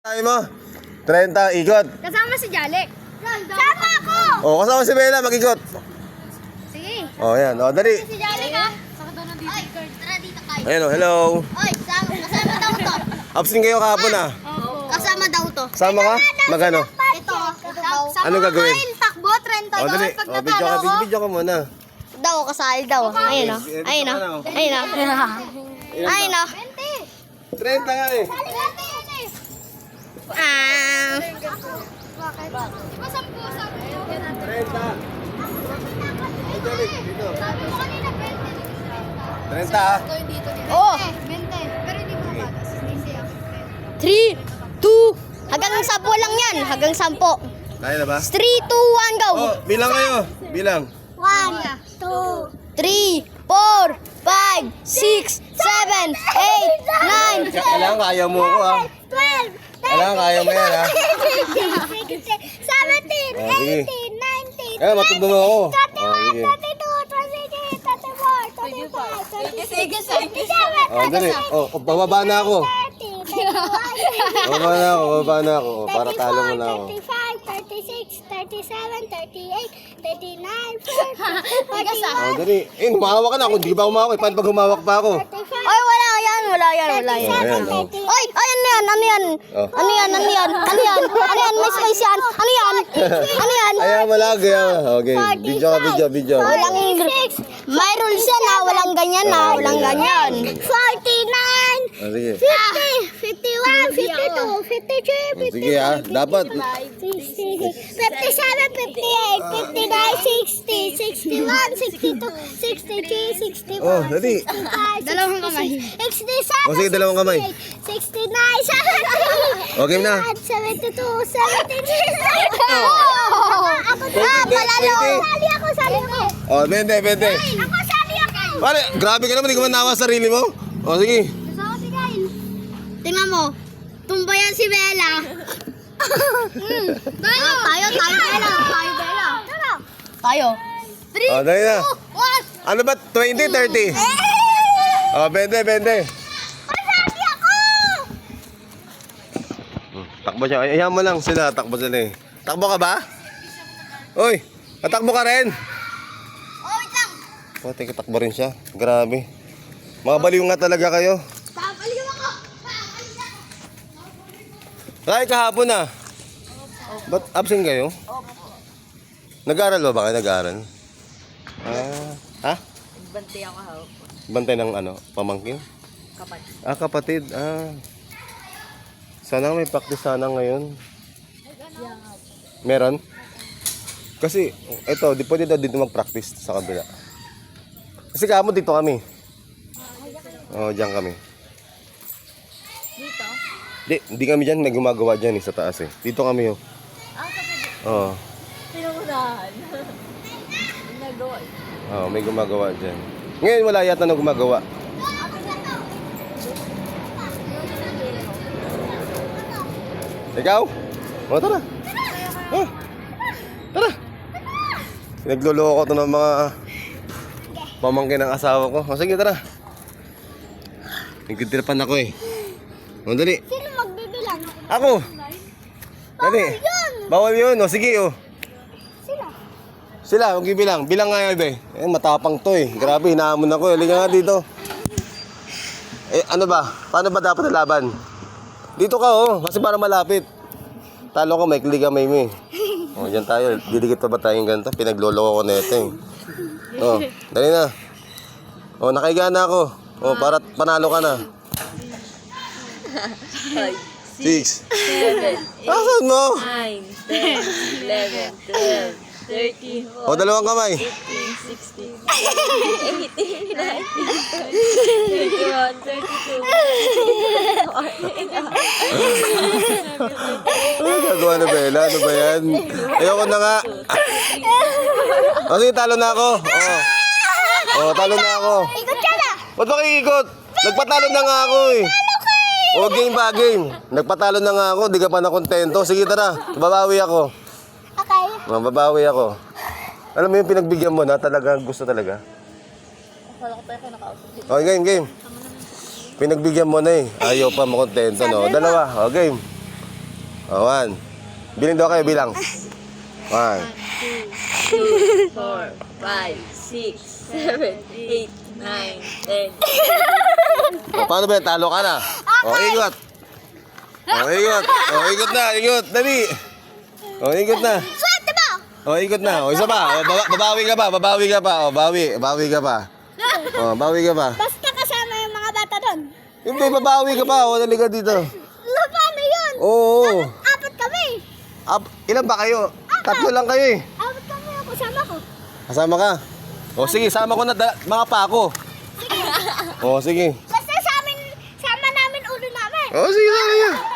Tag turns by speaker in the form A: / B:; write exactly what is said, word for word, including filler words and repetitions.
A: Tayo mo, trenta, ikot.
B: Kasama si Jalik. Sama ako!
A: O, kasama si Bella, mag-ikot.
B: Sige.
A: O, yan. O, dali.
B: Si Jalik ha? Oy, tara dito kayo.
A: Ayun o, hello.
B: Oy, sama, kasama daw to.
A: Absent kayo kahapon ah.
B: Kasama daw to.
A: Sama ka? Magano?
B: Ito, ito daw.
A: Ano gagawin?
B: Kain, takbo, trenta
A: O,
B: daw.
A: dali.
B: Pag
A: O, video
B: natalo
A: ka,
B: ko.
A: video ka muna.
B: Daw, kasali daw. Ayun o. Ayun o. Ayun o. Ayun o.
A: trenta nga eh.
B: Ah.
A: trenta. Dito. trenta ah.
B: Oh. three, two, hanggang sampo lang yan. Hanggang sampo.
A: Kaya na ba?
B: three, two, one, go.
A: O, bilang kayo. Bilang.
B: one, two, three, four, five, six, seven, eight, nine,
A: Kailangan kaya mo ako ah.
B: twelve,
A: Kailangan kaya mo yan ah.
B: seventeen,
A: Oh, sige.
B: eighteen, nineteen,
A: Eh, matundo mo ako.
B: twenty-one,
A: Oh, sige.
B: twenty-two, twenty-three, twenty-four, twenty-five, twenty-six, twenty-seven,
A: O, dali. O, bababa na ako.
B: thirty, thirty-one,
A: Bababa na ako, bababa na ako. O, para talo mo na ako.
B: thirty-five, thirty-six, thirty-seven, thirty-eight, thirty-nine, forty,
A: O, dali. Eh, humahawa ka na. Kung di ba humawak, eh, paano pag humawak pa ako?
B: Ay, wala yan, wala yan, wala yan.
A: Oh, ayan, oh.
B: Oy, ay, ano yan, ano yan?
A: Oh.
B: Ano yan, ano yan, ano yan? Ano yan, may space yan? Ano yan? Ano yan?
A: Ayaw mo lang, kaya. Okay, video ka, video, video.
B: Walang, may rules yan ha, walang ganyan ha, walang ganyan. forty-nine,
A: O, sige.
B: fifty, fifty-one, fifty-two, fifty-three,
A: O, sige ah, dapat.
B: sixty, fifty-seven, fifty-eight, fifty-nine, sixty, sixty-one, sixty-two, sixty-three, sixty-four,
A: Oh, dali.
B: sixty-five, dalawang kamay. sixty-seven,
A: O, sige, dalawang kamay.
B: sixty-nine, seventy,
A: Okay na.
B: seventy-two, seventy-three, Oh! Ako na,
A: twenty,
B: palalo.
A: twenty.
B: Sali ako, sali ako.
A: O, bente, bente.
B: Ako, sali ako.
A: Pare, grabe ka naman, di ka man nawa sa sarili mo. O, sige.
B: Gusto ko si Kyle. Tingnan mo, tumbayan si Bella. Hmm, tayo. Ah, tayo, tayo, Bella. Tayo, Bella. Tara. Tayo. three,
A: O, dali na.
B: two, one.
A: Ano ba? twenty, thirty?
B: Eh!
A: O, bente, bente.
B: Sali ako!
A: Takbo siya. Ay, ayaw mo lang sila. Takbo sila eh. Takbo ka ba? Uy, tatakbo ka rin.
B: Oh, wait lang.
A: O, teka, takbo rin siya. Grabe. Mga baliw nga talaga kayo.
B: Papaliw ako. Papaliw ako.
A: Ay, kahapon na. Ba't absent kayo? Nag-aaral ba ba kayo? Nag-aaral? Ah, ha?
C: Bantay ako ha.
A: Bantay ng ano? Pamangkin?
C: Kapatid.
A: Ah, kapatid. Ah. Sana may practice sana ngayon. Meron? Kasi, ito, di pwede daw dito mag-practice sa kabila. Kasi kamo dito kami. Oo, oh, diyan kami.
C: Dito?
A: Di, hindi kami dyan, may gumagawa dyan eh, sa taas eh. Dito kami oh.
C: Ah, kapatid.
A: Oo.
C: Pinungunahan. Nagawa.
A: Oo, may gumagawa dyan. Ngayon wala yata na gumagawa. Ikaw? O, tara. Oh, tara. Pinagluloko to ng mga pamangkin ng asawa ko. O, sige, tara. Nagtitirapan ako eh. O, dali.
B: Sino magbibilang?
A: Ako. Dali. Bawal yun. O, sige, o.
B: Sino?
A: Sila, huwag bilang. Bilang nga yun, be. Eh, matapang to eh. Grabe, hinahamon ako. Halika nga dito. Eh, ano ba? Paano ba dapat nalaban? Dito ka, oh. Kasi para malapit. Talo ko, may kliga, may may. O, dyan tayo. Didikit pa ba tayong ganito? Pinagloloko ko na ito eh. O, dali na. O, nakahiga na ako. O, para panalo ka na.
C: Five,
A: Six.
C: seven,
A: Asan mo?
C: nine, ten, eleven, twelve, thirteen,
A: O, dalawang kamay.
C: fifteen, sixteen, eighteen, nineteen, twenty, thirty-one, thirty-two,
A: Ano gagawa na Bella? Ano ba yan? Ayoko na nga. O, sige, talo na ako. O. O, talo na ako.
B: Ikot ka na.
A: Ba't ba ikot? Nagpatalo na nga ako eh. O, game ba, game? Nagpatalo na nga ako, di ka pa nakontento. Sige, tara. Babawi ako.
B: Okay.
A: Mababawi ako. Alam mo yung pinagbigyan mo na talaga gusto talaga?
C: Akala ko tayo kayo naka-outfit.
A: Okay, game, game. Pinagbigyan mo na eh. Ayaw pa makontento, no? Dalawa. O, game. Oh, one. Bilang daw kayo, bilang. One.
C: two, four, five, six, seven, eight, nine, ten.
A: O, paano ba yan? Talo ka na. O, ikot. O, ikot. O, ikot na, ikot. Dali. O, ikot na.
B: Swerte mo!
A: O, ikot na. O, isa pa. O, baba- babawi ka pa, babawi ka pa. O, bawi, bawi ka pa. O, bawi ka pa.
B: Basta kasama yung mga bata doon.
A: Hindi, babawi ka pa. O, dali ka dito.
B: Ano, paano yun?
A: Oo.
B: Apat kami.
A: Ap, ilan ba kayo? Tatlo lang kayo eh.
B: Apat kami ako, kasama ko.
A: Kasama ka? O, sige, sama ko na da- mga pako. O, sige.
B: Basta sa amin, sama namin ulo namin.
A: O, sige, sige.